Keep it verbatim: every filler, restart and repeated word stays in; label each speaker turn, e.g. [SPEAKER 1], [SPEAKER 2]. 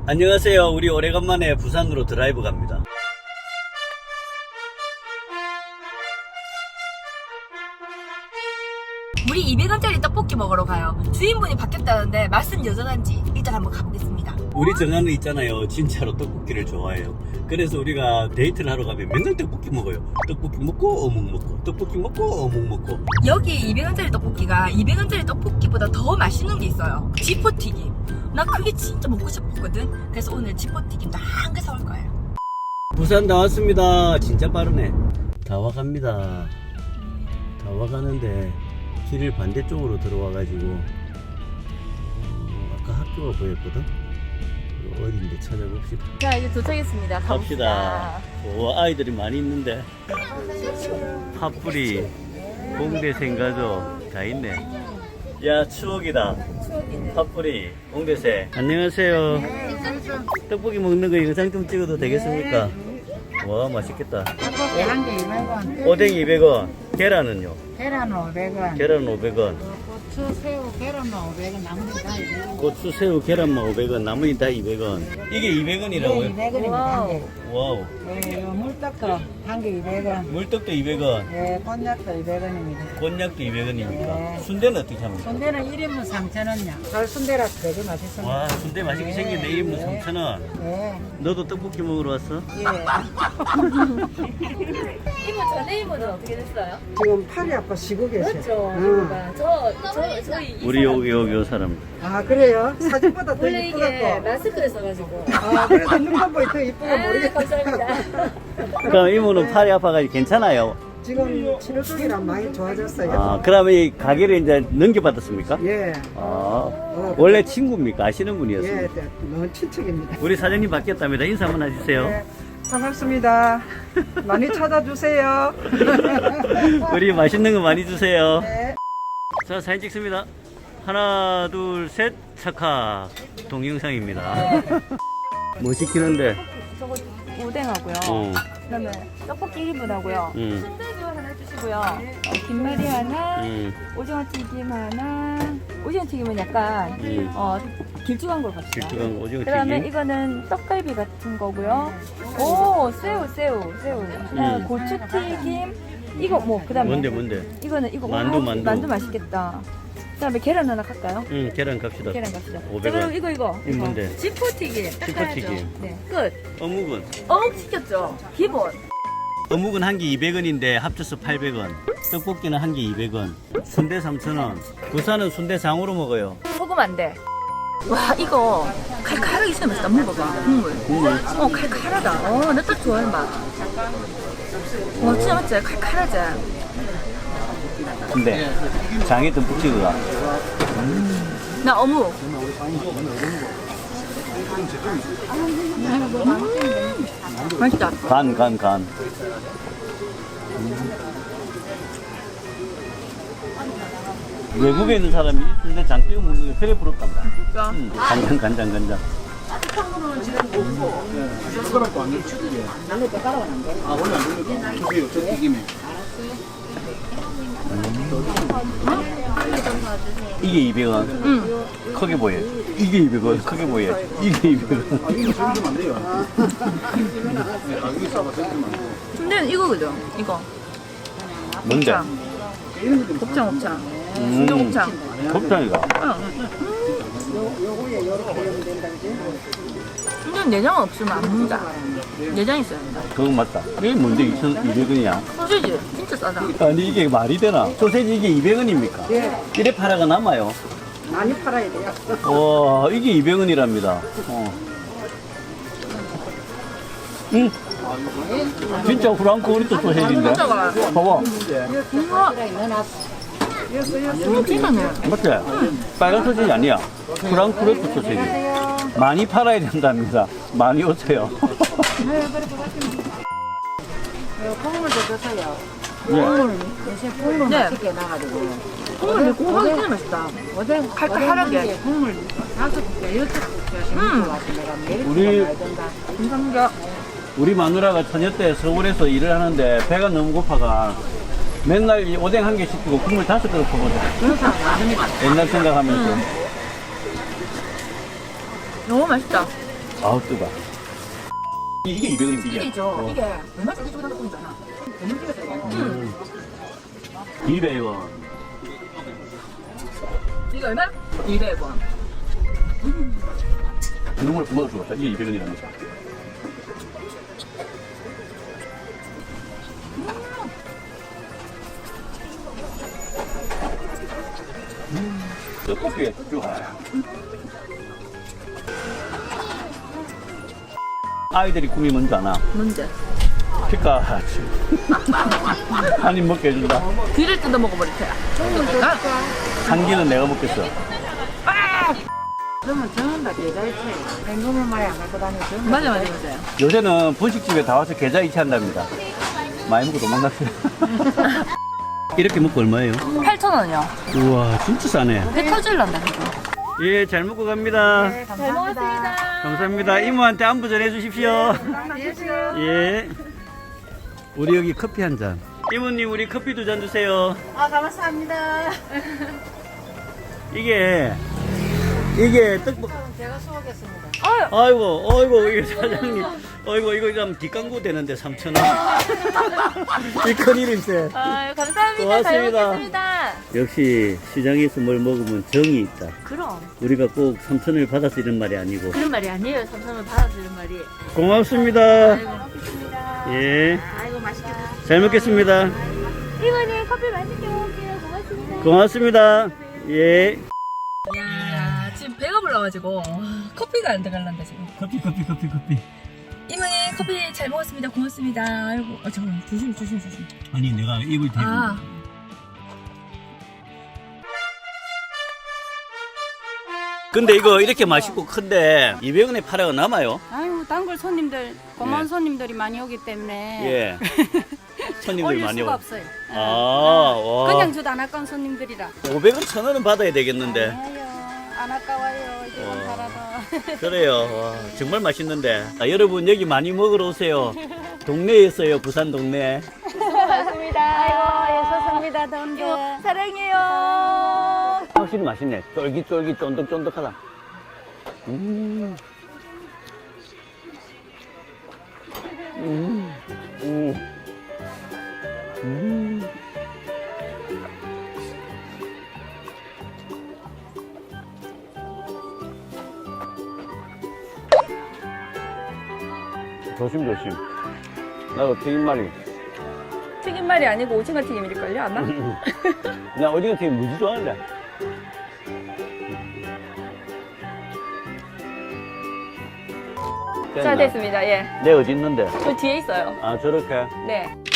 [SPEAKER 1] 안녕하세요. 우리 오래간만에 부산으로 드라이브 갑니다.
[SPEAKER 2] 우리 이백 원짜리 떡볶이 먹으러 가요. 주인분이 바뀌었다는데 말씀 여전한지 일단 한번 가보겠습니다.
[SPEAKER 1] 우리 정한은 있잖아요. 진짜로 떡볶이를 좋아해요. 그래서 우리가 데이트를 하러 가면 맨날 떡볶이 먹어요. 떡볶이 먹고 어묵 먹고 떡볶이 먹고 어묵 먹고.
[SPEAKER 2] 여기 이백 원짜리 떡볶이가 이백 원짜리 떡볶이보다 더 맛있는 게 있어요. 지포튀김. 나 그게 진짜 먹고 싶었거든. 그래서 오늘 지포튀김도 한 개 사올 거예요.
[SPEAKER 1] 부산 다 왔습니다. 진짜 빠르네. 다 와갑니다. 다 와가는데 길을 반대쪽으로 들어와가지고 어, 아까 학교가 보였거든? 어딘데 찾아봅시다.
[SPEAKER 2] 자, 이제 도착했습니다.
[SPEAKER 1] 갑시다. 오, 아이들이 많이 있는데 팥뿌리, 공대 생가족 다 있네. 야, 추억이다.
[SPEAKER 2] 추억이네.
[SPEAKER 1] 팥뿌리, 공대생. 안녕하세요. 떡볶이 먹는 거 영상 좀 찍어도 되겠습니까? 와, 맛있겠다.
[SPEAKER 3] 떡볶이 한 개 이백 원,
[SPEAKER 1] 오뎅 이백 원, 계란은요?
[SPEAKER 3] 계란 오백 원,
[SPEAKER 1] 계란 오백 원,
[SPEAKER 3] 고추, 새우, 계란만 오백 원, 나머지 다 이백 원.
[SPEAKER 1] 고추, 새우, 계란만 오백 원, 나머지 다 이백 원. 이게 이백 원이라고요?
[SPEAKER 3] 이백 원입니다, 한 개.
[SPEAKER 1] 와우.
[SPEAKER 3] 예, 요 물떡도 한 개 이백 원,
[SPEAKER 1] 물떡도 이백 원,
[SPEAKER 3] 예, 곤약도 이백 원입니다.
[SPEAKER 1] 곤약도 이백 원입니까?
[SPEAKER 3] 네.
[SPEAKER 1] 순대는 어떻게 합니까?
[SPEAKER 3] 순대는 일 인분 삼천 원이야. 설 순대라서 되게 맛있습니다.
[SPEAKER 1] 와, 순대 맛있게 생겼네. 일 인분 삼천 원.
[SPEAKER 3] 예,
[SPEAKER 1] 너도 떡볶이 먹으러 왔어?
[SPEAKER 3] 예.
[SPEAKER 2] 이모 전에 이모는 어떻게 됐어요?
[SPEAKER 3] 지금 팔이 아파 쉬고 계셔.
[SPEAKER 2] 그렇죠.
[SPEAKER 3] 응.
[SPEAKER 2] 이모가 저, 저, 저희 이
[SPEAKER 1] 우리
[SPEAKER 2] 사람
[SPEAKER 1] 여기 여기 요 사람.
[SPEAKER 3] 아, 그래요? 사진보다 더
[SPEAKER 2] 원래 이게
[SPEAKER 3] 이쁘갖고.
[SPEAKER 2] 마스크를 써가지고.
[SPEAKER 3] 아, 그래서 눈만 보이 더 이쁘가
[SPEAKER 2] 아,
[SPEAKER 3] 모르겠다.
[SPEAKER 2] 감사합니다.
[SPEAKER 1] 그럼 이모는 팔이 아파가지고 괜찮아요?
[SPEAKER 3] 지금 치료 중이라 많이 좋아졌어요.
[SPEAKER 1] 아, 그러면 이 가게를 이제 넘겨받았습니까?
[SPEAKER 3] 예,
[SPEAKER 1] 아, 원래 친구입니까? 아시는 분이었어요?
[SPEAKER 3] 예, 너무 친척입니다.
[SPEAKER 1] 우리 사장님 바뀌었답니다. 인사 한번 해주세요.
[SPEAKER 3] 네, 반갑습니다. 많이 찾아주세요.
[SPEAKER 1] 우리 맛있는 거 많이 주세요.
[SPEAKER 3] 네.
[SPEAKER 1] 자, 사진 찍습니다. 하나, 둘, 셋, 착하. 동영상입니다. 뭐 시키는데?
[SPEAKER 2] 저거 오뎅하고요.
[SPEAKER 1] 어,
[SPEAKER 2] 그다음에 떡볶이 일 인분 하고요.
[SPEAKER 1] 음,
[SPEAKER 2] 순대도 하나 해주시고요. 어, 김말이 하나,
[SPEAKER 1] 음,
[SPEAKER 2] 오징어 튀김 하나. 오징어 튀김은 약간
[SPEAKER 1] 음.
[SPEAKER 2] 어, 길쭉한 걸 갑시다.
[SPEAKER 1] 길쭉한 거, 오징어
[SPEAKER 2] 그다음에
[SPEAKER 1] 튀김.
[SPEAKER 2] 이거는 떡갈비 같은 거고요. 오, 새우, 새우, 새우. 그다음에
[SPEAKER 1] 음.
[SPEAKER 2] 고추 튀김. 이거 뭐 그다음에
[SPEAKER 1] 뭔데, 뭔데?
[SPEAKER 2] 이거는 이거
[SPEAKER 1] 만두,
[SPEAKER 2] 아,
[SPEAKER 1] 만두.
[SPEAKER 2] 만두 맛있겠다. 그다음에 계란 하나 갈까요?
[SPEAKER 1] 응, 계란 갑시다.
[SPEAKER 2] 계란 갑시다. 자,
[SPEAKER 1] 오백
[SPEAKER 2] 그럼
[SPEAKER 1] 원.
[SPEAKER 2] 이거 이거.
[SPEAKER 1] 이거 뭔데?
[SPEAKER 2] 지포튀김. 딱
[SPEAKER 1] 지포튀김.
[SPEAKER 2] 가야죠. 네, 끝.
[SPEAKER 1] 어묵은?
[SPEAKER 2] 어묵 시켰죠. 기본.
[SPEAKER 1] 어묵은 한 개 이백 원인데 합쳐서 팔백 원. 떡볶이는 한 개 이백 원. 순대 삼천 원. 부산은 순대 장으로 먹어요.
[SPEAKER 2] 소금 안 돼. 와, 이거 칼칼하게 있으면 맛있다. 먹어봐. 국물.
[SPEAKER 1] 국물.
[SPEAKER 2] 어, 칼칼하다. 어, 나 딱 좋아하는 맛. 어, 진짜 맞지? 칼칼하지?
[SPEAKER 1] 근데 장에 듬뿍 가.
[SPEAKER 2] 나 어묵. 맛있다.
[SPEAKER 1] 간, 간, 간. 외국에 있는 사람이 순대 장 찍어 먹는 게 그래 부럽단다.
[SPEAKER 2] 진짜.
[SPEAKER 1] 음, 간장, 간장, 간장. 이게 이백 원.
[SPEAKER 2] 응.
[SPEAKER 1] 크게 보여. 이게 이백 원. 크게 보여. 이게 이백 원.
[SPEAKER 2] 근데 이거거든. 이거.
[SPEAKER 1] 뭔데?
[SPEAKER 2] 곱창, 곱창.
[SPEAKER 1] 음,
[SPEAKER 2] 순대 곱창.
[SPEAKER 1] 곱창이가.
[SPEAKER 2] 응. 근데 내장 없으면 안 먹는다. 내장 있어야 된다.
[SPEAKER 1] 그거 맞다. 이게 뭔데 이천이백 원이야?
[SPEAKER 2] 소시지 진짜 싸다.
[SPEAKER 1] 아니 이게 말이 되나? 소세지 이게 이백 원입니까?
[SPEAKER 3] 예,
[SPEAKER 1] 이래 팔아가 남아요.
[SPEAKER 3] 많이 팔아야 돼요.
[SPEAKER 1] 와, 이게 이백 원이랍니다. 어. 응. 진짜 프랑크푸르트 소세지인데?
[SPEAKER 2] 진짜가.
[SPEAKER 1] 봐봐.
[SPEAKER 2] 우와,
[SPEAKER 3] 여섯, 여섯.
[SPEAKER 2] 음, 진짜네.
[SPEAKER 1] 맞지? 빨간 소세지 아니야. 프랑크푸르트 소세지. 많이 팔아야 된답니다. 많이 오세요.
[SPEAKER 3] 콩물도 드세요.
[SPEAKER 1] 예.
[SPEAKER 3] 대신 국물
[SPEAKER 2] 네.
[SPEAKER 3] 맛있게 나가지고.
[SPEAKER 2] 국물 고소하게 진짜 맛있다.
[SPEAKER 3] 오뎅,
[SPEAKER 2] 칼칼하게.
[SPEAKER 3] 오뎅 국물 다섯 개, 여섯 개
[SPEAKER 2] 음.
[SPEAKER 3] 먹고 와서 내가 매일
[SPEAKER 1] 우리-
[SPEAKER 3] 먹어야 된다.
[SPEAKER 2] 감사합니다.
[SPEAKER 1] 우리 마누라가 처녀 때 서울에서 일을 하는데 배가 너무 고파가 맨날 이 오뎅 한 개 시키고 국물 다섯 그릇 퍼거든. 옛날 생각하면서.
[SPEAKER 2] 너무 맛있다.
[SPEAKER 1] 아우 뜨거. 이게 이백 원이면
[SPEAKER 2] 이게 있죠. 이게 얼마 전에 주고 나왔잖아. 너무 비싸서 이거.
[SPEAKER 1] 음. 이백 원.
[SPEAKER 2] 이거 얼마? 이백 원.
[SPEAKER 1] 정말 부모가 죽었다. 이게 이백 원이라는 거. 음. 떡볶이에 좋아요. 아이들이 꿈이 뭔지 아나?
[SPEAKER 2] 뭔데?
[SPEAKER 1] 피카츄. 한입 먹게 해준다.
[SPEAKER 2] 귀를 뜯어 먹어버릴 테야.
[SPEAKER 1] 한 끼는 내가 먹겠어.
[SPEAKER 3] 그러면 저는 다 계좌이체. 현금을 많이 안 갖고 다니죠.
[SPEAKER 2] 맞아, 맞아, 맞아요.
[SPEAKER 1] 요새는 분식집에 다 와서 계좌 이체한답니다. 많이 먹고 도망갔어요. 이렇게 먹고 얼마예요?
[SPEAKER 2] 팔천 원이요.
[SPEAKER 1] 우와, 진짜 싸네.
[SPEAKER 2] 배 터질란다, 지금.
[SPEAKER 1] 예, 잘 먹고 갑니다.
[SPEAKER 3] 네, 감사합니다.
[SPEAKER 1] 감사합니다. 이모한테 안부 전해 주십시오. 예. 우리 여기 커피 한 잔. 이모님, 우리 커피 두 잔 주세요.
[SPEAKER 3] 아, 감사합니다.
[SPEAKER 1] 이게, 이게 떡볶이.
[SPEAKER 3] 제가 수고하겠습니다.
[SPEAKER 1] 아이고, 아이고, 이거 사장님. 아이고, 이거 좀 뒷광고 되는데 삼천 원. 이 큰일인데.
[SPEAKER 2] 아유, 감사합니다.
[SPEAKER 1] 고맙습니다.
[SPEAKER 2] 잘 먹겠습니다.
[SPEAKER 1] 역시 시장에서 뭘 먹으면 정이 있다.
[SPEAKER 2] 그럼.
[SPEAKER 1] 우리가 꼭 삼천 원을 받아서 이런 말이 아니고.
[SPEAKER 2] 그런 말이 아니에요. 삼천 원 받아주는 말이.
[SPEAKER 1] 고맙습니다.
[SPEAKER 2] 먹겠습니다.
[SPEAKER 1] 예.
[SPEAKER 2] 아이고, 맛있게 드세요.
[SPEAKER 1] 잘 먹겠습니다.
[SPEAKER 2] 이모님, 커피 맛있게 먹을게요. 고맙습니다.
[SPEAKER 1] 고맙습니다. 예.
[SPEAKER 2] 야, 지금 배가 불러가지고 커피가 안 들어갈란다 지금.
[SPEAKER 1] 커피, 커피, 커피, 커피.
[SPEAKER 2] 이모님 커피 잘 먹었습니다. 고맙습니다. 아이고, 아 잠깐 조심 조심 조심.
[SPEAKER 1] 아니, 내가 입을 대고.
[SPEAKER 2] 아.
[SPEAKER 1] 근데 이거 이렇게 맛있고 큰데 이백 원에 팔아가 남아요?
[SPEAKER 4] 아유, 단골 손님들, 고마운
[SPEAKER 1] 예.
[SPEAKER 4] 손님들이 많이 오기 때문에
[SPEAKER 1] 예. 손님들
[SPEAKER 4] 올릴
[SPEAKER 1] 많이
[SPEAKER 4] 수가
[SPEAKER 1] 오.
[SPEAKER 4] 없어요.
[SPEAKER 1] 아, 와.
[SPEAKER 4] 그냥 주도 안 아까운 손님들이라.
[SPEAKER 1] 오백 원, 천 원은 받아야 되겠는데.
[SPEAKER 4] 아유, 안 아까워요. 이제
[SPEAKER 1] 와.
[SPEAKER 4] 좀 팔아도.
[SPEAKER 1] 그래요. 와, 정말 맛있는데. 아, 여러분 여기 많이 먹으러 오세요. 동네에 있어요. 부산 동네.
[SPEAKER 2] 고맙습니다.
[SPEAKER 4] 아이고, 예수습니다 더운데.
[SPEAKER 2] 사랑해요.
[SPEAKER 1] 확실히 맛있네. 쫄깃쫄깃 쫀득쫀득하다. 음. 음. 음. 음. 조심조심. 나도 튀김말이.
[SPEAKER 2] 튀김말이 아니고 오징어 튀김일걸요 아마?
[SPEAKER 1] 나 오징어 튀김 무지 좋아하는데.
[SPEAKER 2] 자 됐습니다. 예.
[SPEAKER 1] 내 어디 있는데?
[SPEAKER 2] 저 뒤에 있어요.
[SPEAKER 1] 아, 저렇게.
[SPEAKER 2] 네.